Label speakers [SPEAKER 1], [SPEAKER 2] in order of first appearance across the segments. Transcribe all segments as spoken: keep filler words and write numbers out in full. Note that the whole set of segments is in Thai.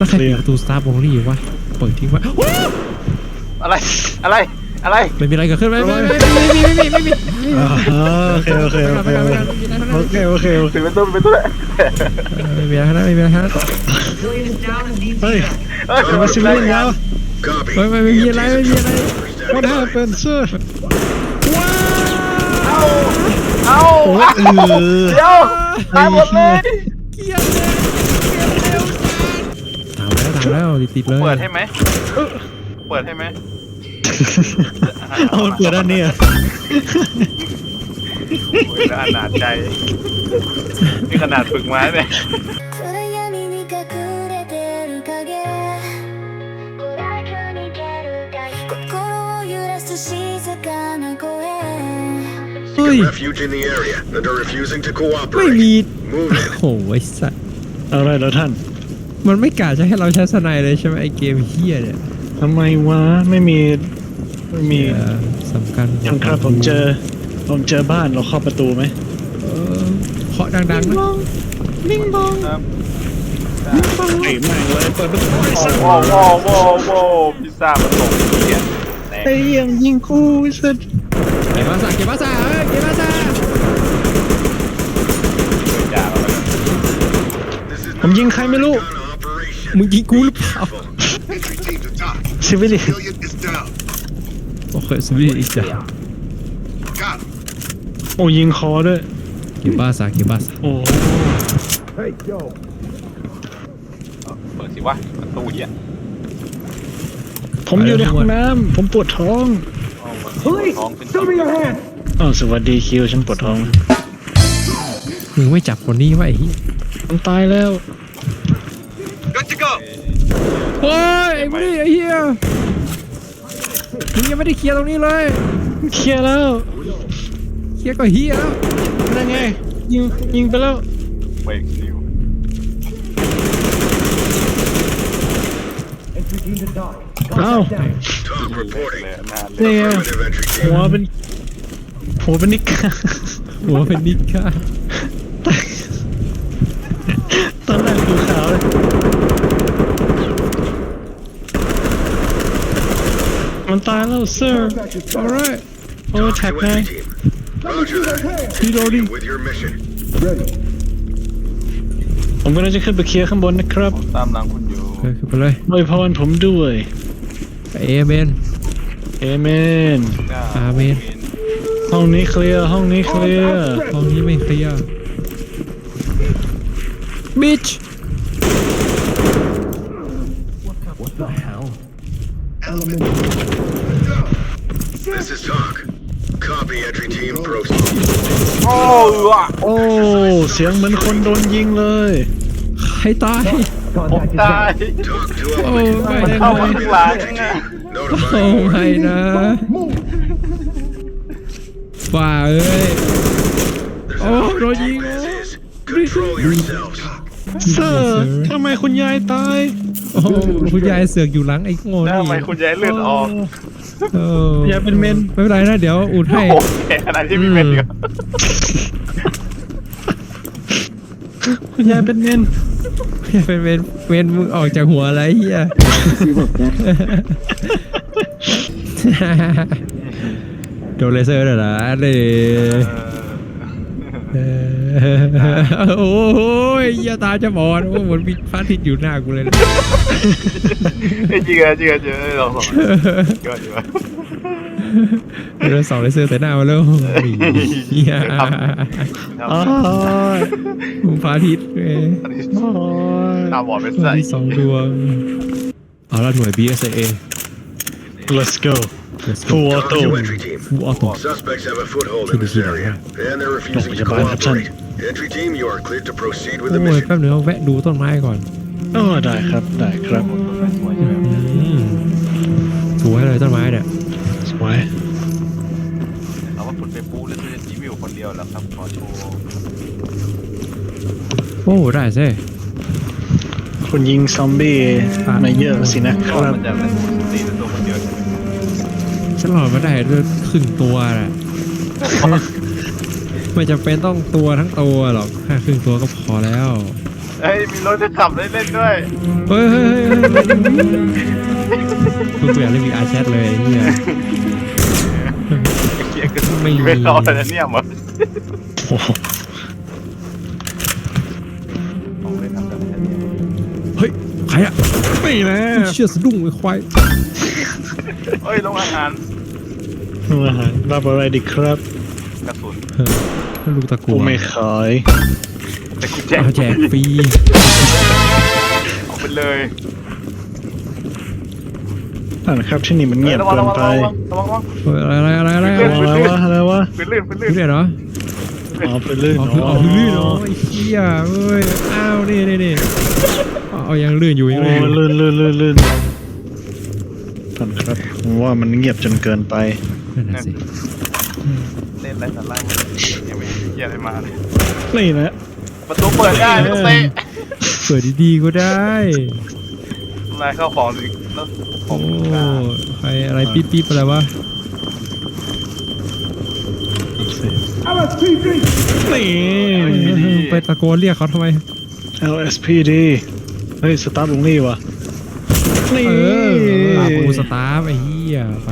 [SPEAKER 1] แล้วใครปิดประตูสตาร์บงลี่วะเปิดทิ้งไว้
[SPEAKER 2] อะไรอะไรอะไร
[SPEAKER 1] ไม่มีอะไรเกิดขึ้นไม่ไม่ไม่ไม่มีไม่มีไม่มี
[SPEAKER 3] โอเคโอเคโอเคโอเคโอเคโอเค
[SPEAKER 2] ปิดประตูปิดประตูเลย
[SPEAKER 1] ไม่มีอะไรนะไม่มีอะไรนะ
[SPEAKER 3] เฮ้ย
[SPEAKER 2] เฮ้ย
[SPEAKER 3] มาซิเลียนแล้ว
[SPEAKER 1] ไม่ไม่ไม่มีอะไรไม่มีอะไร
[SPEAKER 3] What happened sir
[SPEAKER 2] เอาเอา
[SPEAKER 3] โอ้ยเออ
[SPEAKER 2] เดี๋ยวตายหมดเลย
[SPEAKER 1] เกียร์เลยเกียร์เร็วตามแล้วตามแล้วติดเลย
[SPEAKER 2] เปิดให้ไหมเปิดให้ไหม
[SPEAKER 3] เอาเปิดด้านนี้อ่ะ
[SPEAKER 2] โอ้ยขนาดใจนี่ขนาดฝึกมาเนี่ย
[SPEAKER 1] เฮ้ยไม่มีโอ้ยสัตว์
[SPEAKER 3] อะไรแล้วท่าน
[SPEAKER 1] มันไม่กล้าจะให้เราใช้สไนเลยใช่ไหมไอเกมเฮียเนี่ย
[SPEAKER 3] ทำไมวะไม่มีไม่มี
[SPEAKER 1] สำคัญ
[SPEAKER 3] ยังครับผมเจอผมเจอบ้านเราเข้าประตูไหม
[SPEAKER 1] เคาะดังๆนะ
[SPEAKER 3] ลิงบอง
[SPEAKER 2] ครับ
[SPEAKER 3] ไอ้แม่งเลยเปิดประตูไอ้สัส
[SPEAKER 2] โว้โว้โว้โว้พิซซ่ามันตกเกียร์แตก
[SPEAKER 3] ไอ้เหี้ยยิงกูไอ้สัส
[SPEAKER 1] เก็บมาซะเก็บมาซะเอ้ยเก็บมาซะ
[SPEAKER 2] จ่าเราไป
[SPEAKER 3] ผมยิงใครไม่รู้
[SPEAKER 1] มึงยิงกูหรือเปล่า
[SPEAKER 3] ซิวิลิ
[SPEAKER 1] โอเคสวีอีกจ้ะ
[SPEAKER 3] โอ้ยิงคอด้วย
[SPEAKER 1] เก็บมาซะเก็บมาซะ
[SPEAKER 3] โอ้
[SPEAKER 2] เปิดสิวะประตูเหี้ย
[SPEAKER 3] ผมอยู่ในห้องน้ำผมปวดท้อง
[SPEAKER 2] เฮ้ยท้องเป็นชิ้น
[SPEAKER 3] อ๋อสวัสดีคิวฉันปวดท้อง
[SPEAKER 1] มึงไม่จับคนนี้ไว้ไอ้เหี้ย
[SPEAKER 3] มันตายแล้ว
[SPEAKER 1] โอ้ยไอ้มึงนี่ไอ้เหี้ยมึงยังไม่ได้เคลียร์ตรงนี้เลย
[SPEAKER 3] เคลียร์แล้ว
[SPEAKER 1] เคลียร์ก็เหี้ยแล้ว
[SPEAKER 3] นั่นไงยิงยิงไปแล้ว
[SPEAKER 2] เบรกนิว
[SPEAKER 3] อ้าว
[SPEAKER 2] เลยนานเลย
[SPEAKER 3] นี่ไงหัวเป็นหัวเป็นนิก
[SPEAKER 1] หัวเป็นนิกค่ะ
[SPEAKER 3] ตอนแรกดูขาวเลยมันตายแล้ว sir
[SPEAKER 1] alright
[SPEAKER 3] โอ้แท็กไง
[SPEAKER 1] พี่โดดิ
[SPEAKER 3] ผมกำลังจะขึ้นไปเคลียร์ข้างบนนะครับ
[SPEAKER 2] ผมตามหลังคุณอยู่
[SPEAKER 1] เออขึ้นไปเลย
[SPEAKER 3] อวยพรผมด้วย
[SPEAKER 1] เอเมน
[SPEAKER 3] เอเมน
[SPEAKER 1] อาเมน
[SPEAKER 3] ห้องนี้เคลียร์ห้องนี้เคลียร์
[SPEAKER 1] ห้องนี้ไม่เคลียร์บิช
[SPEAKER 4] This is Talk. Copy entry team proceed.
[SPEAKER 2] โอ้ว่ะ
[SPEAKER 3] โอ้เสียงเหมือนคนโดนยิงเลย
[SPEAKER 1] ใครตาย
[SPEAKER 2] ผมตาย
[SPEAKER 4] Talk to
[SPEAKER 1] โอ้
[SPEAKER 4] element.
[SPEAKER 1] ไม่
[SPEAKER 2] มัน
[SPEAKER 1] นะ
[SPEAKER 2] เข้ามาข้างหลัง
[SPEAKER 4] Entry
[SPEAKER 2] ไง
[SPEAKER 4] team.
[SPEAKER 1] โอ้
[SPEAKER 4] Notifying
[SPEAKER 1] ไม่นะ ฝ่าเอ้ย
[SPEAKER 4] There's
[SPEAKER 1] Oh,
[SPEAKER 4] an
[SPEAKER 1] no,
[SPEAKER 4] operative
[SPEAKER 1] you-
[SPEAKER 4] as is. Control yourselves.
[SPEAKER 3] เซอร์ทำไมคุณยายตาย
[SPEAKER 1] โอ้คุณยายเสือกอยู่หลังไอ้โง่
[SPEAKER 2] แล้ว
[SPEAKER 1] นี่
[SPEAKER 2] ทำไมคุณยายเลือดออก
[SPEAKER 1] เออย
[SPEAKER 3] ายเป็นเมน
[SPEAKER 1] ไม่เป็นไรนะเดี๋ยวอุดให้
[SPEAKER 2] โอ้แก่ขนาดที่มีเม็ดเดียว
[SPEAKER 3] คุณยายเป็นเมน
[SPEAKER 1] เป็นเวนเวนมึงออกจากหัวอะไรเฮียโดนเลเซอร์เหรอนะเลยโอ้โหเฮียตาจะบอดโอ้เหมือนมีพระอาทิตย์อยู่หน้ากูเลยนะ
[SPEAKER 2] จริงเหรอจริงเหรอจริงเหรอลองสองก็ดีวะ
[SPEAKER 1] โดนสองเลเซอร์แต่หน้ามาแล้วเฮีย
[SPEAKER 3] อ๋อ
[SPEAKER 1] มึงพระอาทิตย์เว้ย
[SPEAKER 2] ตาบอดเป็น
[SPEAKER 1] พระ
[SPEAKER 2] ใส่
[SPEAKER 1] อาทิตย์สองดวงเอาละหน่วย บี เอส เอ
[SPEAKER 3] let's go full
[SPEAKER 4] Talk
[SPEAKER 3] auto
[SPEAKER 4] to entry team.
[SPEAKER 1] ฟูออโต้
[SPEAKER 4] Suspects have a foothold in this area, and they're refusing to
[SPEAKER 3] Don't worry about it,
[SPEAKER 4] cooperate. Entry team, you are cleared to proceed with the
[SPEAKER 1] โอ้ย
[SPEAKER 4] mission.
[SPEAKER 1] แป๊บนึงเอาแวะดูต้นไม้ก่อน
[SPEAKER 3] อ๋อได้ครับได้ครับ
[SPEAKER 1] อืมสวยเลยต้นไม้เนี่ย
[SPEAKER 3] สวย
[SPEAKER 2] เอาว่าคุณไปปูแล้วจะรีวิวคนเดียวแล้วครับขอโชว์
[SPEAKER 1] โอ้ได้สิ
[SPEAKER 3] คุณยิงซอมบี้มาเยอะสินะค
[SPEAKER 2] ก็
[SPEAKER 3] รับ
[SPEAKER 2] มันจะเป็นตีตัวคนเดียวใช่ไหม
[SPEAKER 1] ฉันหลอดมาได้ด้วยครึ่งตัวแหละไม่จำเป็นต้องตัวทั้งตัวหรอกแค่ครึ่งตัวก็พอแล้ว
[SPEAKER 2] เฮ้ยมีรถจะขับได้เล่นด้วย
[SPEAKER 1] เฮ้ยเฮ้ยเฮ้ยกูอยากเล่น วี อาร์ Chat เลยไอ้เหี้ย
[SPEAKER 2] เกียร์ก็
[SPEAKER 1] ไม่มี
[SPEAKER 2] ไม่เข้าแล้วเนี่ยมั้ง
[SPEAKER 3] โอ้โห
[SPEAKER 2] ต้องเล่นทำแบบนี้
[SPEAKER 1] เฮ้ยใครอะ
[SPEAKER 3] ไม่นะ
[SPEAKER 1] เชี่ยสะดุ้งไอ้ควาย
[SPEAKER 2] เฮ้ยลงอาหาร
[SPEAKER 3] อาหารรับอะไรดีครับ
[SPEAKER 2] กระสุน
[SPEAKER 1] เออลูกตะกั
[SPEAKER 3] กู
[SPEAKER 1] ว
[SPEAKER 3] ไม่ขาย
[SPEAKER 2] แต่กูแจก
[SPEAKER 1] เอาแจกฟรี
[SPEAKER 2] เอาไปเลย
[SPEAKER 3] อ่านครับที่นี่มันเงียบ
[SPEAKER 2] ระวัง
[SPEAKER 3] เกิ
[SPEAKER 2] ระ
[SPEAKER 3] น
[SPEAKER 2] วัง
[SPEAKER 3] ไประ
[SPEAKER 2] วังระวังระวัง
[SPEAKER 1] เฮ้ยอะไรอะไรอะไรอะไร
[SPEAKER 3] อะไรวะอะไรวะ
[SPEAKER 2] เป็นลื่นเป็นลื่น
[SPEAKER 1] เรื่อยเหรอ
[SPEAKER 3] อ๋อไปลื่น
[SPEAKER 1] อ๋อคืออ๋อคือลื่นเนาะไอ้เหี้ยเอ้ยอ้าวนี่นี่นี่เอาเอายังลื่นอยู่ยัง
[SPEAKER 3] โอ้
[SPEAKER 1] ลื่นอยู่
[SPEAKER 3] ลื่นลื่นลื่นลื่นท่านครับผมว่ามันเงียบจนเกินไป
[SPEAKER 1] นั่นน่ะสิ
[SPEAKER 2] เล่นไรสาระยังไม่เห็นเกียร์อะไรมาเลย
[SPEAKER 3] นี่นะ
[SPEAKER 2] ประตูเปิดได้ไม่ต้องเตะ
[SPEAKER 1] เปิดดีๆก็ได้
[SPEAKER 2] นายเข้าของสิแล้วขอ
[SPEAKER 1] โอ้
[SPEAKER 2] งกลาง
[SPEAKER 1] ใครอะไรปิ๊บปิ๊บอะไรวะ
[SPEAKER 3] นี่
[SPEAKER 1] ไปตะโกนเรียกเขาทำไม
[SPEAKER 3] แอล เอส พี ดี เฮ้ย สตาร์ทลงนี่วะนี่
[SPEAKER 1] เออลากูสตาร์ฟไอ้เหี้ยไป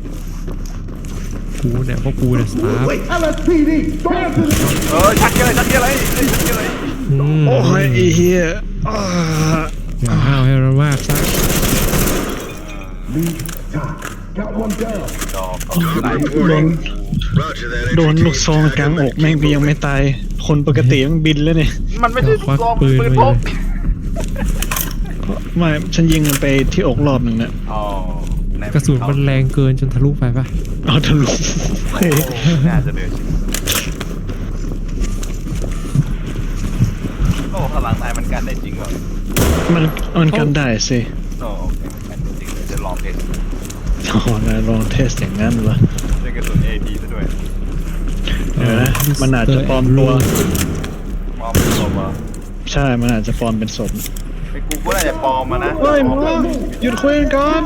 [SPEAKER 1] กูเนี่ยพวกกูเนี่ยสตาร์ฟ
[SPEAKER 2] เออชักเกียร์อะไรชักเกียร์อะไรเฮ้ยชักเกียร์อะไร
[SPEAKER 1] อืม
[SPEAKER 3] โอ้ยไอ้เหี้ยอ่า
[SPEAKER 1] อย่าห้าวให้มันมากซะ
[SPEAKER 2] ดอกไหล
[SPEAKER 3] โดน
[SPEAKER 4] Roger that
[SPEAKER 3] โดน
[SPEAKER 4] entry
[SPEAKER 3] ลูก
[SPEAKER 4] team.
[SPEAKER 3] ซองกลางอกแม่งไปยังไม่ตาย คนปกติมันบินแล้วเนี่ย
[SPEAKER 2] มันไม่ใช่ลูกซองปืนพก
[SPEAKER 3] ไม่ฉันยิงมันไปที่อกรอบหนึ่งนะ
[SPEAKER 2] อ๋อก
[SPEAKER 1] ระสุนมันแรงเกินจนทะลุไปปะ
[SPEAKER 3] เอาทะลุเฮ้ย
[SPEAKER 2] น่าจะเดือดโอ้พลังนายมันกันได้จริงเหรอ
[SPEAKER 3] มันมันกันได้สิ
[SPEAKER 2] โอ้โอเคมันกันได้จริงเลยจะลองเทส
[SPEAKER 3] อ๋อนายลองเทสอย่างนั้นวะ
[SPEAKER 2] ใช้กระสุน เอ พี ซะด้วย
[SPEAKER 3] เดี๋ยวนะมันอาจจะปลอมตัว
[SPEAKER 2] ปลอมเป็นศพเหรอ
[SPEAKER 3] ใช่มันอาจจะปลอมเป็นศพ
[SPEAKER 2] ไอ้กูก็น่าจะปลอมมานะ
[SPEAKER 3] เฮ้ยมึงหยุดคุยกันก่อน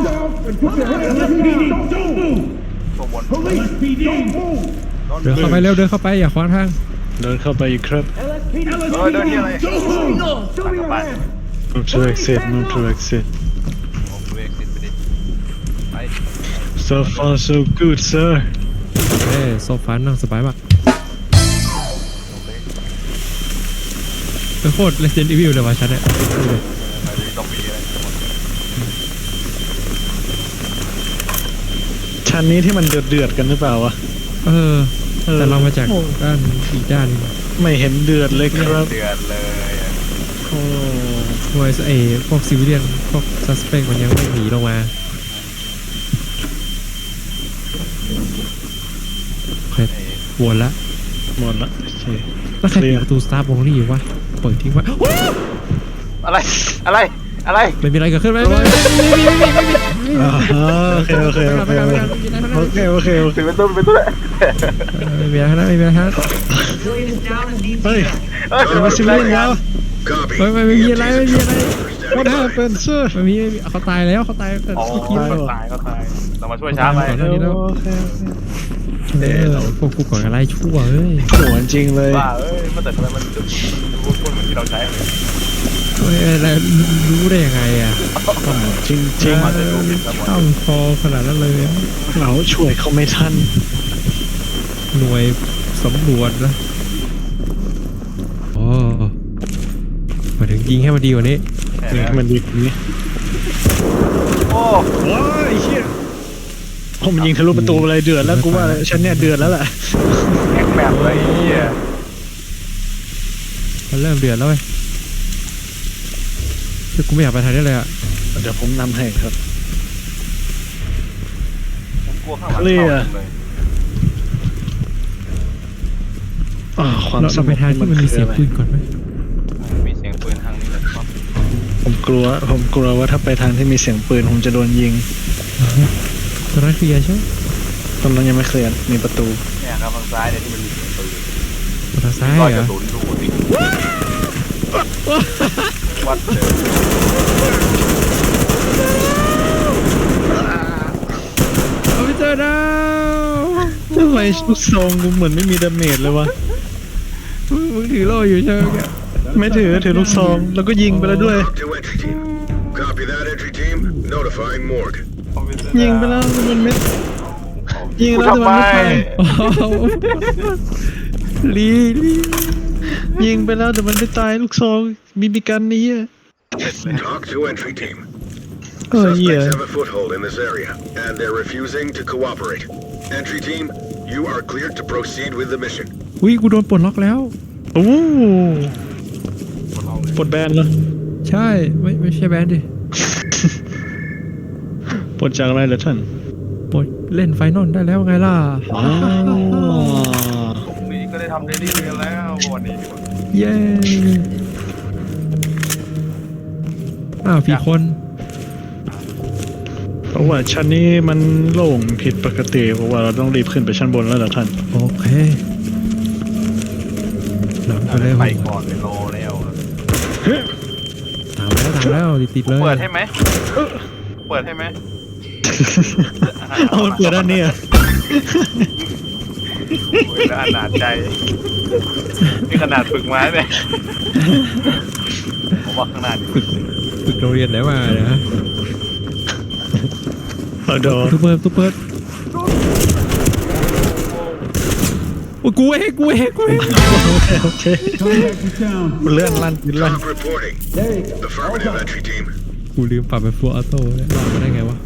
[SPEAKER 2] ตัวบน
[SPEAKER 1] เดินเข้าไปเร็วเดินเข้าไปอย่าขวางทาง
[SPEAKER 3] เดินเข้าไปอีกครับ
[SPEAKER 2] เออเดินที่อะไรตั้งกระบะ
[SPEAKER 3] move to exit move to exit
[SPEAKER 2] โอ้กูเอ็กซิสไปดิไป
[SPEAKER 3] so far so good sir
[SPEAKER 1] เอ้ยโซฟานั่งสบายมาก
[SPEAKER 2] โอเค
[SPEAKER 1] เป็นโคตร Resident Evil เลยว่ะฉันเนี่ย
[SPEAKER 2] ไปดูต้องมีอะไรทั้งหมด
[SPEAKER 3] ชั้นนี้ที่มันเดือดเดือดๆกันหรือเปล่าวะ
[SPEAKER 1] เออ
[SPEAKER 3] เออ
[SPEAKER 1] แต่เรามาจากด้านอีกด้านหนึง
[SPEAKER 3] ไม่เห็นเดือดเลยครับ
[SPEAKER 2] เดือดเลยอะ
[SPEAKER 3] โอ้
[SPEAKER 1] หน่วยเอพวกซิวิเลียนพวกซัสเปกมันยังไม่หนีลงมาโอเค
[SPEAKER 2] ไอ้
[SPEAKER 1] วนละ
[SPEAKER 3] หมดละโอเค
[SPEAKER 1] แล้วใครปิดประตูสตาร์บงลี่อยู่วะเปิดทิ้งไว้
[SPEAKER 2] อะไรอะไรอะไร
[SPEAKER 1] ไม่มีอะไรเกิดขึ้นไหมไม่ไม่ไม่ไม่ไม่ไม่ไม่
[SPEAKER 3] อ่าฮะโอเคโอเคโอเคโอเคโอเคโอเคโอเค
[SPEAKER 2] ปิดประตูปิดประตูเลย
[SPEAKER 1] ไม่มีอะไรทั้งนั้นไม่มีอะไรทั้งนั้น
[SPEAKER 3] เฮ้ย
[SPEAKER 2] เอ้ย
[SPEAKER 3] เดี๋ยวมาซิเลียนแล้ว
[SPEAKER 4] Copy.
[SPEAKER 1] ไม่ไม่ไม่มีอะไรไม่มีอะไร
[SPEAKER 3] what happened sir
[SPEAKER 1] ไม่มีไม่มีเขาตายแล้วเขาตายแต่
[SPEAKER 2] อ๋อ
[SPEAKER 1] ขี้เกียจ
[SPEAKER 2] ก็ตายก็ตายเรามาช่วยช้าไป
[SPEAKER 1] ตายก่อน
[SPEAKER 3] โอเคโอเค
[SPEAKER 1] เออพวกกูก่อนอะไรชั่วเอ้ย
[SPEAKER 3] หัวจริงเลย
[SPEAKER 2] ว่าเอ้ยมันแต่ทำไมมันดูดูพูดเหมือนที่เราใช้เลย
[SPEAKER 1] เฮ้ยอะไรรู้ได้ยังไงอ่ะ
[SPEAKER 3] จริงจริง
[SPEAKER 2] มันจะดูผิดทั้งหมด
[SPEAKER 1] ข้ามคอขนาดนั้นเลยอะ
[SPEAKER 3] เราช่วยเขาไม่ทัน
[SPEAKER 1] หน่วยสำรวจนะโอ้มาถึงยิงให้มันดีกว่านี้
[SPEAKER 2] แค่
[SPEAKER 3] นี่
[SPEAKER 2] นั้น
[SPEAKER 3] มันดีกว่านี้
[SPEAKER 2] โอ้
[SPEAKER 3] ว้ายเชี่ยผมยิงทะลุประตูอะไรเดือดแล้วกูว่าฉันเนี่ยเดือดแล้วแหละ
[SPEAKER 2] แข็งแบบเลยไอ้เหี้ย
[SPEAKER 1] มันเริ่มเดือดแล้วเว้ยคือกูไม่อยากไปทางนี้เลยอ่ะ
[SPEAKER 3] เดี๋ยวผมนำให้ครับ
[SPEAKER 2] ผมกลัวข้างหลังเข้าเลย
[SPEAKER 3] อ่าความ
[SPEAKER 1] เรา
[SPEAKER 3] ส
[SPEAKER 1] เรา
[SPEAKER 3] ง
[SPEAKER 1] ไป
[SPEAKER 3] บ
[SPEAKER 1] ทางที่มันมีเสียงปืนก่อนไหม
[SPEAKER 2] มีเสียงปืนทางนี้เลยครับ
[SPEAKER 3] ผมกลัวผมกลัวว่าถ้าไปทางที่มีเสียงปืนผมจะโดนยิง
[SPEAKER 1] ตอนนั้นเคลียร์ใช่ไหม
[SPEAKER 3] ตอนนั้นยังไม่เคลียร์มีประตู
[SPEAKER 2] เนี่ยครับทางซ้ายเนี่ยที่มันมีเสียงปืน
[SPEAKER 1] ตอนทางซ้าย
[SPEAKER 2] รอย
[SPEAKER 1] เหร
[SPEAKER 2] กระ
[SPEAKER 1] อ
[SPEAKER 2] สุนดูสิวัดเจอ
[SPEAKER 1] เอาไปเจอดาว
[SPEAKER 3] ทำไมลูกซองกูเหมือนไม่มีดาเมจเลยวะ
[SPEAKER 1] มึงมึงถือโล่อยู่ใช่ไหมแก
[SPEAKER 3] ไม่ถือถือลูกซองแล้วก็ยิงไปแล้วด้วย
[SPEAKER 4] Talk to entry team. Copy that. that, entry team. Notifying morgue.
[SPEAKER 3] ยิงไปแล้วแต่มันไม่ยิง
[SPEAKER 2] กู
[SPEAKER 3] แล้วแต่
[SPEAKER 2] ทำไม
[SPEAKER 3] มันไม่ตาย
[SPEAKER 1] ลีลี
[SPEAKER 3] ยิงไปแล้วแต่มันไม่ตายลูกซองบีบีกันนี่อ่ะ
[SPEAKER 4] Talk to entry team.
[SPEAKER 3] เออเหี้ย
[SPEAKER 4] Suspects have a foothold in this area, and they're refusing to cooperate. Entry team, you are cleared to proceed with the mission.
[SPEAKER 1] อุ้ยกูโดนปลดล็อกแล้ว
[SPEAKER 3] โอ้ปลดแบนแล้ว
[SPEAKER 1] ใช่ไม่ไม่ใช่แบนดิ
[SPEAKER 3] ปลดจากอะไรเหรอท่าน
[SPEAKER 1] ปลดเล่นไฟนอลได้แล้วไงล่ะ
[SPEAKER 3] อ๋อ
[SPEAKER 2] พรุ่งนี้ก็ได้ทำเดลี่กันแล้ววันนี้
[SPEAKER 1] เย้อ้าวพี่คน
[SPEAKER 3] เพราะว่าชั้นนี้มันโล่งผิดปกติเพราะว่าเราต้องรีบขึ้นไปชั้นบนแล้วเหรอท่าน
[SPEAKER 1] โอเคหลังไปเลย
[SPEAKER 2] ไปก่อนไปรอแล้ว
[SPEAKER 1] ตามแล้วตามแล้วติดติดๆเลย
[SPEAKER 2] เปิดให้ไหมเปิดให้ไหม
[SPEAKER 3] เอามันเปิดด้านนี้อ่ะ
[SPEAKER 2] โอ้ยขนาดใจนี่ขนาดฝึกมาเนี่ยผมว่าข้างหน้านี่
[SPEAKER 1] ฝึกฝึกโรงเรียนไหนมาเนี่ยฮะ
[SPEAKER 3] เอาดอ
[SPEAKER 1] ตู้เปิดตู้เปิดโอ้ยกูเองกูเองกูเอง
[SPEAKER 3] โอเคเลื่อนลั่นปืนลั่น
[SPEAKER 4] Talk reporting. Affirmative, entry team.
[SPEAKER 1] กูลืมปรับเป็นฟัวออโต้เนี่ยรอดมาได้ไงวะ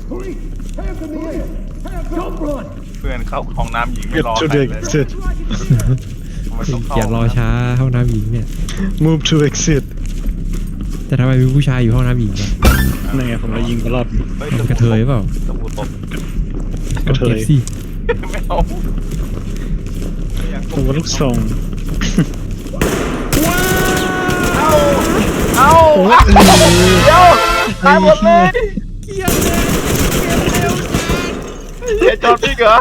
[SPEAKER 2] เพื่อนเข้าห้องน้ำหญิงไม่
[SPEAKER 3] Get
[SPEAKER 2] รอ
[SPEAKER 3] to
[SPEAKER 2] ใคร
[SPEAKER 3] the
[SPEAKER 2] เลย
[SPEAKER 3] exit
[SPEAKER 2] มันต้อง
[SPEAKER 1] เกียรรอช้าห้องน้ำหญิงเนี่ย
[SPEAKER 3] move to exit
[SPEAKER 1] แต่ทำไมมีผู้ชายอยู่ห้องน้ำหญิงวะ
[SPEAKER 3] นั่นไงผมเลยยิงตลอด
[SPEAKER 1] มันกระเทยเปล่า
[SPEAKER 2] ตะปูตบ
[SPEAKER 3] กระเทย
[SPEAKER 1] ก็บสิ
[SPEAKER 2] ไม่เอาไม่อยาก
[SPEAKER 3] ผมว่าลูกซอง
[SPEAKER 2] เอาเอาเดี๋ยวตายหมดเลย
[SPEAKER 1] เกียร์เลยเกียร์เร็ว
[SPEAKER 2] เดี๋ยวจอดพี่เหรอ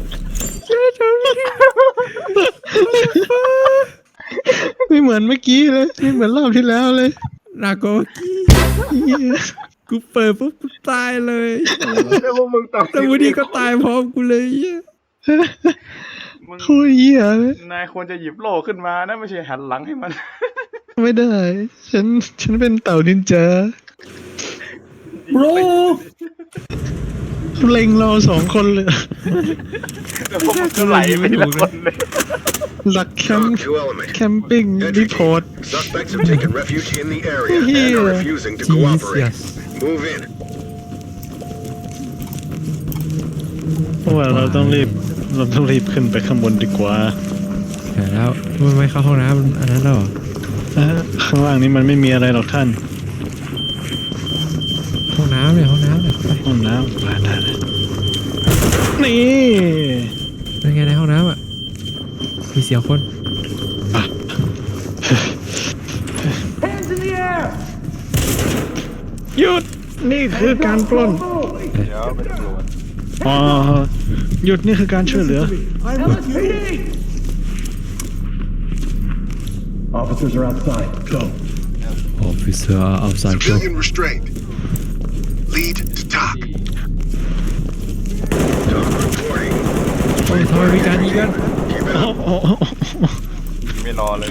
[SPEAKER 3] ไม่เหมือนเมื่อกี้เลยไม่เหมือนรอบที่แล้วเลย
[SPEAKER 1] นาโกกี้กูเปิดปุ๊บกูตายเลย
[SPEAKER 2] แล้วพวกมึงต่อ
[SPEAKER 1] แล้ววันนี้ก็ตายพร้อมกูเลยเหี้ย
[SPEAKER 2] มึง
[SPEAKER 3] โคตรเหี้ยเลย
[SPEAKER 2] นายควรจะหยิบโล่ขึ้นมานะไม่ใช่หันหลังให้มัน
[SPEAKER 3] ไม่ได้ ฉันฉันเป็นเต่านินจา
[SPEAKER 1] โร
[SPEAKER 3] เล็งเราสองคนเลย
[SPEAKER 2] แล้วพวกมึงก็ไหลไปทีละคนเลย
[SPEAKER 3] หลักแคม
[SPEAKER 4] Talk
[SPEAKER 3] ป์
[SPEAKER 4] to element.
[SPEAKER 3] แคมปิ้ง
[SPEAKER 4] Entry
[SPEAKER 3] รีพอร์ต
[SPEAKER 4] team. Suspects have taken refuge in the area and
[SPEAKER 3] Here.
[SPEAKER 4] are refusing to
[SPEAKER 1] จีเซีย
[SPEAKER 4] cooperate.
[SPEAKER 1] ส
[SPEAKER 4] Move in.
[SPEAKER 3] เพราะว่าเราต้องรีบเราต้องรีบขึ้นไปข้างบนดีกว่า
[SPEAKER 1] ใช่แล้วมันไม่เข้าห้องน้ำมันอันนั้นแล้วเหรอ
[SPEAKER 3] อ่ะข้างล่างนี้มันไม่มีอะไรหรอกท่าน
[SPEAKER 1] ห้องน้ำเนี่ยห้องน้ำเนี่ยไป
[SPEAKER 3] ห้องน้ำได้ได้ได้นี่
[SPEAKER 1] เป็นไงในห้องน้ำอ่ะมีเสียงคน
[SPEAKER 3] หยุดนี่คือการปล้น
[SPEAKER 2] เดี๋ยวไปตำรวจ
[SPEAKER 3] อ๋อหยุดนี่คือการช่วยเหลือ
[SPEAKER 5] Officers are outside. Go.
[SPEAKER 1] Officer outside
[SPEAKER 4] Civilian restraint. Lead to talk. Talk reporting.
[SPEAKER 1] โอ้ยทำไมมีการยิงกัน
[SPEAKER 4] Keep it
[SPEAKER 3] อ๋อ
[SPEAKER 4] up.
[SPEAKER 3] อ๋ออ๋อ
[SPEAKER 2] ไม่รอเลย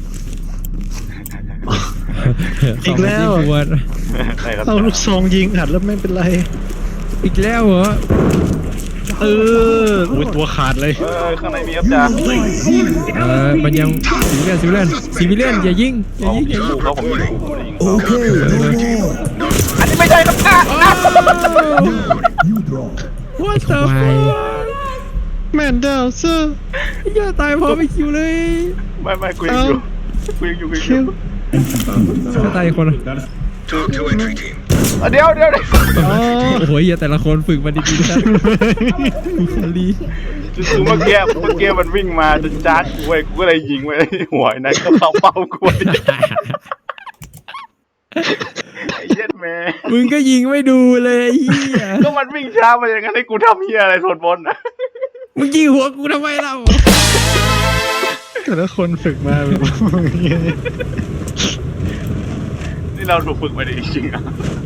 [SPEAKER 3] อีกแล้ว
[SPEAKER 1] สองนาทีกว่า
[SPEAKER 2] ได้ครับ
[SPEAKER 3] เอาลูกซองยิงอัดแล้วไม่เป็นไร
[SPEAKER 1] อีกแล้วเหรอ
[SPEAKER 3] เอออุ้ยตัวขาดเลย
[SPEAKER 2] เออข้างในมีครับจ่า
[SPEAKER 1] เออมันยังซิวิเลียนซิวิเลียนซิวิเลียนอย่ายิงอย่ายิงอย่ายิง
[SPEAKER 2] เขาผมยิงผมยิง
[SPEAKER 5] Okay, no more.
[SPEAKER 2] อันนี้ไม่ใช่ครับจ่า
[SPEAKER 5] You draw.
[SPEAKER 1] What the ควาย
[SPEAKER 3] แมนดาวเซอร์
[SPEAKER 1] อย่าตายพร้อมไปคิวเลย
[SPEAKER 2] ไม่ไม่กูยังอยู่กูยังอยู่กูยังอ
[SPEAKER 3] คิ
[SPEAKER 2] ยู่
[SPEAKER 3] ว
[SPEAKER 1] ถ้าตายอีกคนอะ
[SPEAKER 4] Talk to entry team.
[SPEAKER 2] อ่ะเดี๋ยวเดี๋ยวเดี๋ยว
[SPEAKER 3] อ๋อ
[SPEAKER 1] โอ้โหอย่าแต่ละคนฝึกมาดีๆนะกูขอรี
[SPEAKER 2] คือเมื่อกี้เมื่อกี้มันวิ่งมาจะจ้าดกูเว้ยกูก็เลยยิงไว้หัวไอ้นั้นก็เข้าเป้ากูไอ้เหี้ย็ดแม่
[SPEAKER 1] มึงก็ยิงไม่ดูเลยไอ้เหี้ย
[SPEAKER 2] ก็มันวิ่งช้ามาอย่างนั้นให้กูทำเหี้ยอะไรสวดมนต์นะ
[SPEAKER 1] มึงยิงหัวกูทำไมเล่า
[SPEAKER 3] แต่ละคนฝึกมาแบบ
[SPEAKER 2] นี่เราถูกฝึกมาดีจริงๆอ่ะ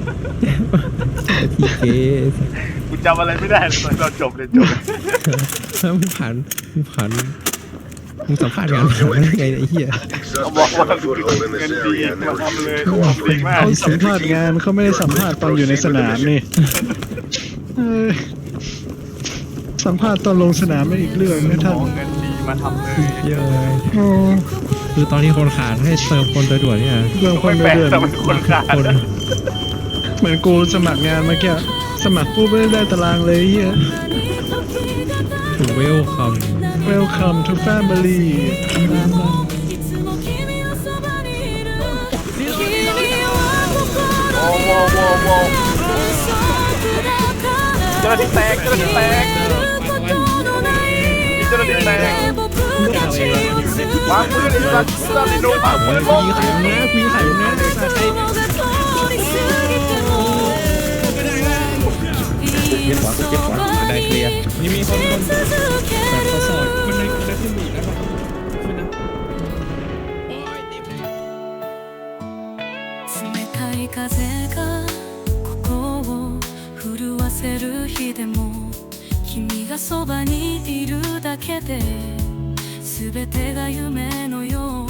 [SPEAKER 1] ทีเค
[SPEAKER 2] กูจำอะไรไม่ได้เลยตอนเราจบเลยจบ
[SPEAKER 1] มึงผ่านมึงผ่านมึงสัมภาษณ์งานมาได้ไงเนี่ยไอ้เหี้ย
[SPEAKER 2] เขาบอก
[SPEAKER 4] Suspects
[SPEAKER 2] ว่า
[SPEAKER 4] have a foothold in
[SPEAKER 2] เงิ
[SPEAKER 4] this
[SPEAKER 2] นดี
[SPEAKER 4] area and
[SPEAKER 2] มา
[SPEAKER 4] they're
[SPEAKER 2] ทำเลย
[SPEAKER 4] refusing to
[SPEAKER 2] ทำดี
[SPEAKER 4] cooperate.
[SPEAKER 2] มาก
[SPEAKER 3] เขาสัมภาษณ์งานเขาไม่ได้สัมภาษณ์ตอนอยู่ในสนามนี่เออสัมภาษณ์ตอนลงสนามไม่อีกเรื่องไม่
[SPEAKER 2] ข
[SPEAKER 3] ทั
[SPEAKER 2] อน เงินดีมาทำเลย
[SPEAKER 1] เหี้ยอะเลย
[SPEAKER 3] โอ้
[SPEAKER 1] คือตอนนี้คนขาดให้เติมคนโดยด่วนเนี่ย
[SPEAKER 3] เรื่องคน
[SPEAKER 2] ไม่แปลก
[SPEAKER 3] เดือด
[SPEAKER 2] แต่มันคนขาด
[SPEAKER 1] คน
[SPEAKER 3] เหมือนกูสมัครงานเมื่อกี้สมัครปุ๊บไม่ได้ตารางเลยเฮีย
[SPEAKER 1] ถูกเวลคัม
[SPEAKER 3] Welcome to family
[SPEAKER 2] โอ้โหโว้โหเจ้าหน้าที่แตกเจ้าหน้าที่แตกมีเจ้าหน้าที่แตกวางปืนไอ้สัตว์เจ้าหน้าที่โดนวางปืนล
[SPEAKER 1] กู
[SPEAKER 2] ง
[SPEAKER 1] ยิงไข่มึงนะกูยิงไข่มึงนะใครเก็บขวากูเก็บขวาได้เคลียร์นี่มีคนคนแบบเขาสอดมันได้ได้ขึ้นอีกแล้วป่ะขึ้นนะโอ้ยตี
[SPEAKER 6] 冷たい風がここを震わせる日でも君がそばにいるだけで全てが夢のよう